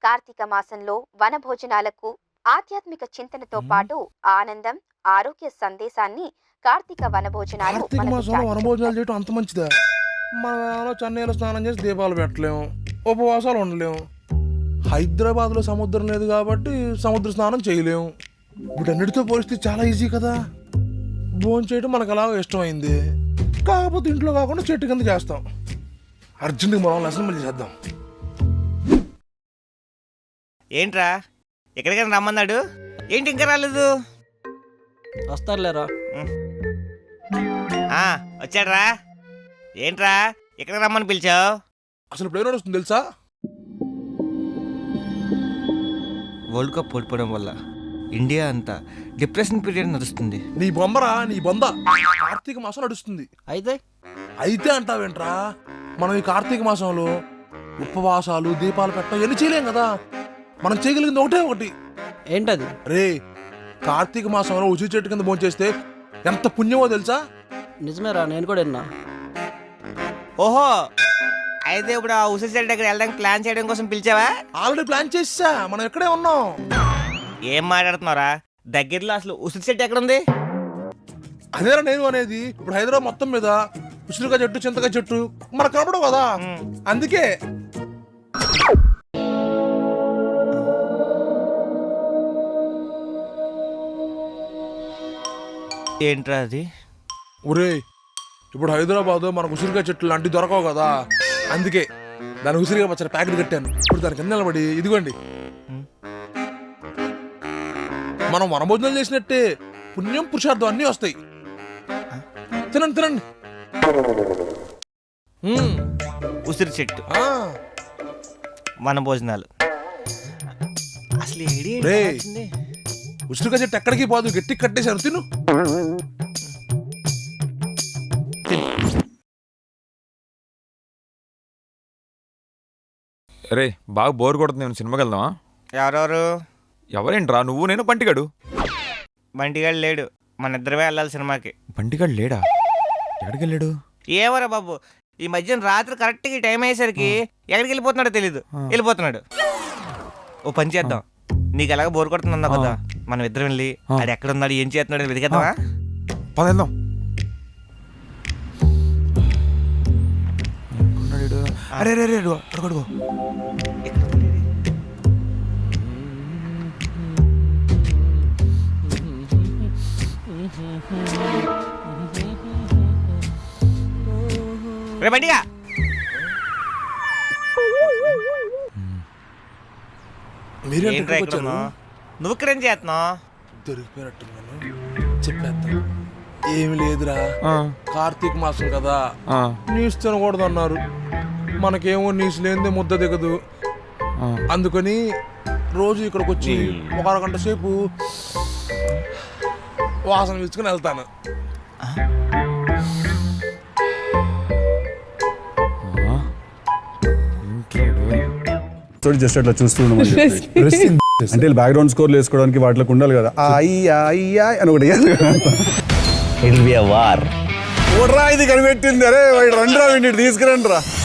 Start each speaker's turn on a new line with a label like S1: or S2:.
S1: కార్తీక మాసంలో వనభోజనాలకు ఆధ్యాత్మిక చింతనతో పాటు ఆనందం, ఆరోగ్య సందేశాన్ని కార్తీక వనభోజనాలు
S2: కార్తీక
S1: మనకు
S2: మాసంలో
S1: చాటుతాయి.
S2: వనభోజనాలు చేయటం అంత మంచిదా? మన చెన్నైలో స్నానం చేసి దీపాలు పెట్టలేము, ఉపవాసాలు ఉండలేము. హైదరాబాద్లో సముద్రం లేదు కాబట్టి సముద్ర స్నానం చేయలేము. వీటన్నిటితో పోలిస్తే చాలా ఈజీ కదా. భోజనం చేయడం మనకు అలాగ ఇష్టమైంది. కాకపోతే ఇంట్లో కాకుండా చెట్టు కింద చేస్తాం. అర్జెంట్గా మనం అసెంబ్లీ చేద్దాం.
S3: ఏంట్రా ఎక్కడికైనా రమ్మన్నాడు? ఏంటి ఇంకా రాలేదు?
S4: వస్తారులేరా.
S3: వచ్చాడ్రా. ఏంట్రా ఎక్కడికి రమ్మని పిలిచావు?
S2: అసలు ఇప్పుడు ఏం నడుస్తుంది తెలుసా?
S3: వరల్డ్ కప్ ఓడిపోవడం వల్ల ఇండియా అంతా డిప్రెషన్ పీరియడ్ నడుస్తుంది.
S2: నీ బొమ్మరా, నీ బొంద. కార్తీక మాసం నడుస్తుంది. అయితే అంటావేంట్రా? మనం ఈ కార్తీక మాసంలో ఉపవాసాలు, దీపాలు పెట్టడం ఎన్ని చేయలేం కదా. మనం చేయగలిగింది ఒకటి.
S4: ఏంటది?
S2: రే, కార్తీక మాసంలో ఉసిరి చెట్టు కింద భోంచేస్తే ఎంత పుణ్యమో తెలుసా?
S4: నిజమేరా, నేను కూడా విన్నా.
S3: ఓహో, అయితే ఇప్పుడు ఆ ఉసిరి చెట్టు దగ్గర వెళ్ళడానికి ప్లాన్ చేయడం కోసం పిలిచావా?
S2: ఆల్రెడీ ప్లాన్ చేసా, మనం ఎక్కడే ఉన్నాం.
S3: ఏం మాట్లాడుతున్నారా? దగ్గరలో అసలు ఉసిరి చెట్టు ఎక్కడుంది?
S2: అదేరా నేను అనేది. ఇప్పుడు హైదరాబాద్ మొత్తం మీద ఉసిరికాయ చెట్టు, చింతకాయ చెట్టు మనకు కనపడవు కదా. అందుకే
S3: ఏంట్రా అది?
S2: ఒరే, ఇప్పుడు హైదరాబాద్ మనకు ఉసిరికాయ చెట్లు లాంటివి దొరకవు కదా. అందుకే దాని ఉసిరికాయ పచ్చడి ప్యాకెట్ కట్టాను. ఇప్పుడు దాని కింద నిలబడి ఇదిగోండి, మనం వనభోజనాలు చేసినట్టే పుణ్యం, పురుషార్థం అన్నీ వస్తాయి. తినండి.
S3: ఉసిరి చెట్టు, మన భోజనాలు. అసలు
S2: రే, ఉసిరికాయ చెట్టు ఎక్కడికి పోదు, గట్టి కట్టేశాను. తిను.
S5: రే, బాగా బోర్ కొడుతుంది. నేను సినిమాకి వెళ్దామా?
S3: ఎవరెవరు?
S5: ఎవరేంట్రా, నువ్వు నేను బంటిగాడు.
S3: బంటిగాడు లేడు, మన ఇద్దరమే వెళ్ళాలి సినిమాకి.
S5: బంటిగాడు లేడా? ఎక్కడికి వెళ్ళాడు?
S3: ఏమరా బాబు, ఈ మధ్యన రాత్రి కరెక్ట్గా టైం అయ్యేసరికి ఎక్కడికి వెళ్ళిపోతున్నాడో తెలీదు, వెళ్ళిపోతున్నాడు. ఓ పని చేద్దాం, నీకు ఎలాగ బోర్ కొడుతుంది కదా, మనం ఇద్దరం వెళ్ళి ఆడు ఎక్కడ ఉన్నాడు, ఏం చేస్తున్నాడు వెతికేద్దామా?
S5: పద వెళ్దాం. అరే రే రే, అడుగు.
S3: రే బండిగా, ఏంట్రా ఇక్కడ ఉన్నావు? నువ్వు ఇక్కడేం చేస్తున్నావు?
S2: దొరికిపోయినట్టున్నాను, చెప్పేద్దాం. ఏమి లేదురా, కార్తీక మాసం కదా, నీసు తినకూడదు అన్నారు. మనకేమో నీసు లేనిదే ముద్ద దిగదు. అందుకని రోజు ఇక్కడికి వచ్చి ఒక అరగంట సేపు వాసన పీల్చుకుని వెళ్తాను.
S6: జస్ట్ అట్లా చూస్తున్నాం అంటే బ్యాక్గ్రౌండ్ స్కోర్లు వేసుకోవడానికి వాటికి ఉండాలి కదా. అని ఒకటి ఇది కనిపెట్టింది. అరే రండి రా, తీసుకురండి రా.